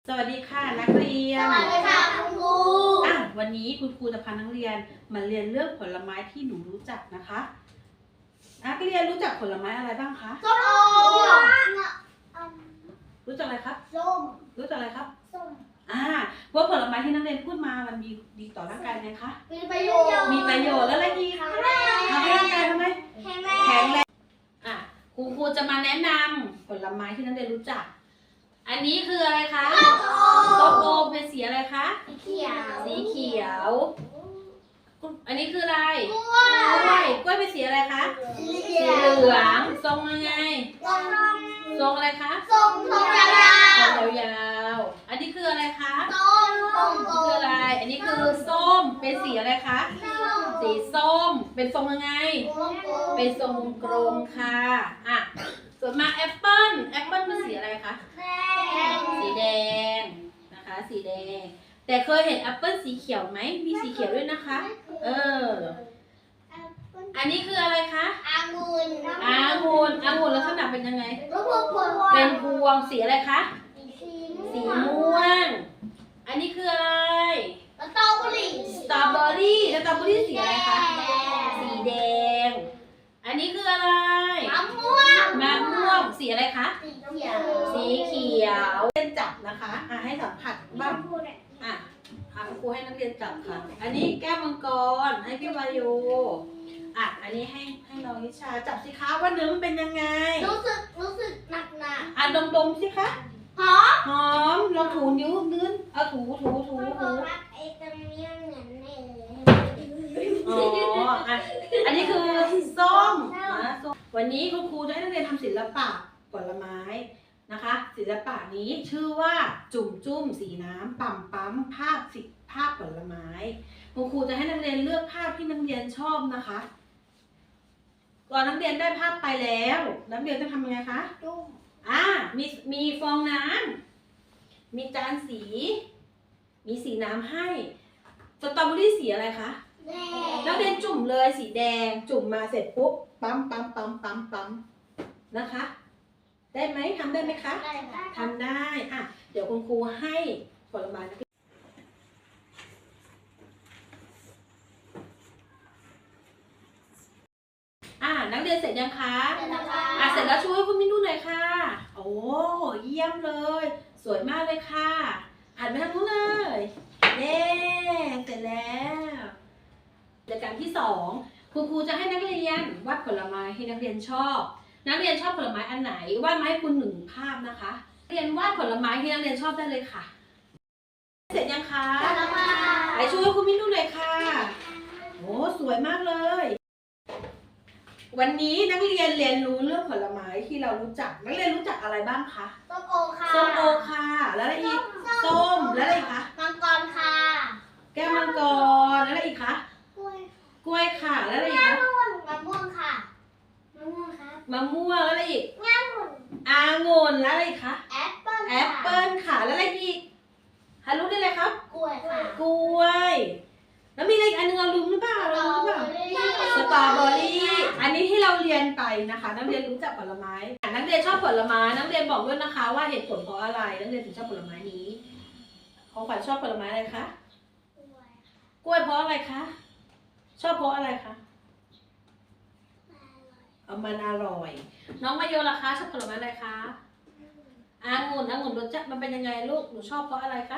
สวัสดีค่ะนักเรียนสวัสดีค่ะคุณครูวันนี้คุณครูจะพานักเรียนมาเรียนเรื่องผลไม้ที่หนูรู้จักนะคะ นักเรียนรู้จักผลไม้อะไรบ้างคะส้มโอรู้จักอะไรครับส้มรู้จักอะไรครับส้มว่าผลไม้ที่นักเรียนพูดมามันมีดีต่อร่างกายไหมคะมีประโยชน์มีประโยชน์แล้วอะไรอีกทำให้ร่างกายทำไมแข็งแข็งแรงคุณครูจะมาแนะนำผลไม้ที่นักเรียนรู้จัก อันนี้คืออะไรคะส้มโอเป็นสีอะไรคะสีเขียวสีเขียว อันนี้คืออะไรกล้กล้วยเป็นสีอะไรคะสีสีเหลืองทรงยังไง ทรงอะไรคะส้มยาวทรงยาวๆอันนี้คืออะไรคะส้มคืออะไร อันนี้คือส้ม เป็นสีอะไรคะ สีส้ม เป็นทรงยังไง เป็นทรงกลมค่ะส่วนมาแอปเปิ้ลเป็นสีอะไรคะ สีแดงนะคะ สีแดง แต่เคยเห็นแอปเปิ้ลสีเขียวไหม มีสีเขียวด้วยนะคะ อันนี้คืออะไรคะองุ่นองุ่นลักษณะเป็นยังไงเป็เป็น นพวงสีอะไรคะ สีม่วง อันนี้คืออะไรสตรอเบอรี่สตรอเบอรี่สีอะไรคะ สีแดง อันนี้คืออะไรมะม่วงสีอะไรคะ สีเขียวเล่นจับนะคะ ให้สัมผัสบ้างคุณครูให้นักเรียนจับค่ะ อันนี้แก้วมังกร ให้พี่วายุอันนี้ให้น้องนิชาจับสิคะว่าเนื้อมันเป็นยังไงรู้สึกหนักดมสิคะหอมหอมลองถูนิ้วนื้นเอาถูไอ้ตรงนี้เหมือนเนยอันนี้คือส้มส้มวันนี้คุณครูจะให้นักเรียนทำศิลปะผลไม้นะคะ ศิลปะนี้ชื่อว่าจุ่มจุ้มสีน้ำปั๊มภาพผลไม้คุณครูจะให้นักเรียนเลือกภาพที่นักเรียนชอบนะคะก่อนนักเรียนได้ภาพไปแล้วนักเรียนต้องทำยังไงคะจุ่มมีฟองน้ำมีจานสี มีสีน้ำให้สตรอเบอรี่สีอะไรคะแดนักเรียนจุ่มเลยสีแดงจุ่มมาเสร็จปุ๊บปั๊มนะคะ ได้ไหมทำได้ไหมคะได้ค่ะทำได้เดี๋ยวคุณครูให้ผลไม้นักเรียนเสร็จยังคะเสร็จแล้วค่ะเสร็จแล้วช่วยคุณมิ้นดูหน่อยค่ะ โอ้เยี่ยมเลย สวยมากเลยค่ะอ่านไปทางนู้นเลยเย้เสร็จแล้วกิจกรรมที่2คุณครูจะให้นักเรียนวาดผลไม้ที่นักเรียนชอบ นักเรียนชอบผลไม้อันไหนวาดมาให้คุณ1 ภาพนะคะเรียนวาดผลไม้ที่นักเรียนชอบได้เลยค่ะ เสร็จยังคะเสร็จแล้วค่ะไปช่วยคุณมิ้นดูหน่อยค่ะโอ้สวยมากเลยวันนี้นักเรียนเรียนรู้เรื่องผลไม้ที่เรารู้จัก นักเรียนรู้จักอะไรบ้างคะส้มโอค่ะส้มโอค่ะ แล้วอะไรอีก ส้ม แล้วอะไรอีกคะมังกรค่ะแก้วมังกร แล้วอะไรอีกคะกล้วยกล้วยค่ะ แล้วอะไรอีกคะมะม่วงค่ะมะม่วงครับมะม่วง แล้วอะไรอีกองุ่นแล้วอะไรอีกคะแอปเปิ้ลแอปเปิ้ลค่ะ แล้วอะไรอีกหารู้ได้เลยครับกล้วยค่ะกล้วย แล้วมีอะไรอีกอันนึงเราลืมหรือเปล่าเราลืมหรือเปล่า สตรอเบอรี่ อันนี้ที่เราเรียนไปนะคะ นักเรียนรู้จักผลไม้ นักเรียนชอบผลไม้ นักเรียนบอกด้วยนะคะ ว่าเหตุผลเพราะอะไร นักเรียนถึงชอบผลไม้นี้ ของขวัญชอบผลไม้อะไรคะ กล้วยเพราะอะไรคะ ชอบเพราะอะไรคะมันอร่อย น้องมาโยล่ะคะชอบผลไม้อะไรคะองุ่นรสชาติมันเป็นยังไงลูก หนูชอบเพราะอะไรคะ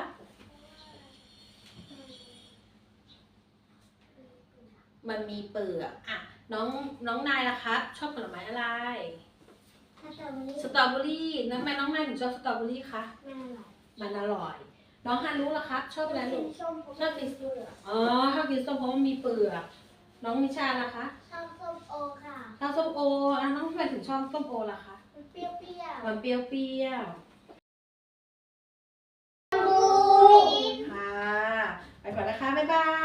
มันมีเปลือกน้องนายล่ะครับ ชอบผลไม้อะไร สตรอเบอรี่ทำไมน้องนายถึงชอบสตรอเบอรี่คะ มันอร่อย น้องฮารุล่ะครับ ชอบอะไรลูก ชอบกินชอบกินส้มเพราะมันมีเปลือก น้องนิชาล่ะคะชอบส้มโอค่ะชอบส้มโอน้องทำไมถึงชอบส้มโอล่ะคะมันเปรี้ยวมันเปรี้ยวๆค่ะ ไปก่อนนะคะ บ๊ายบาย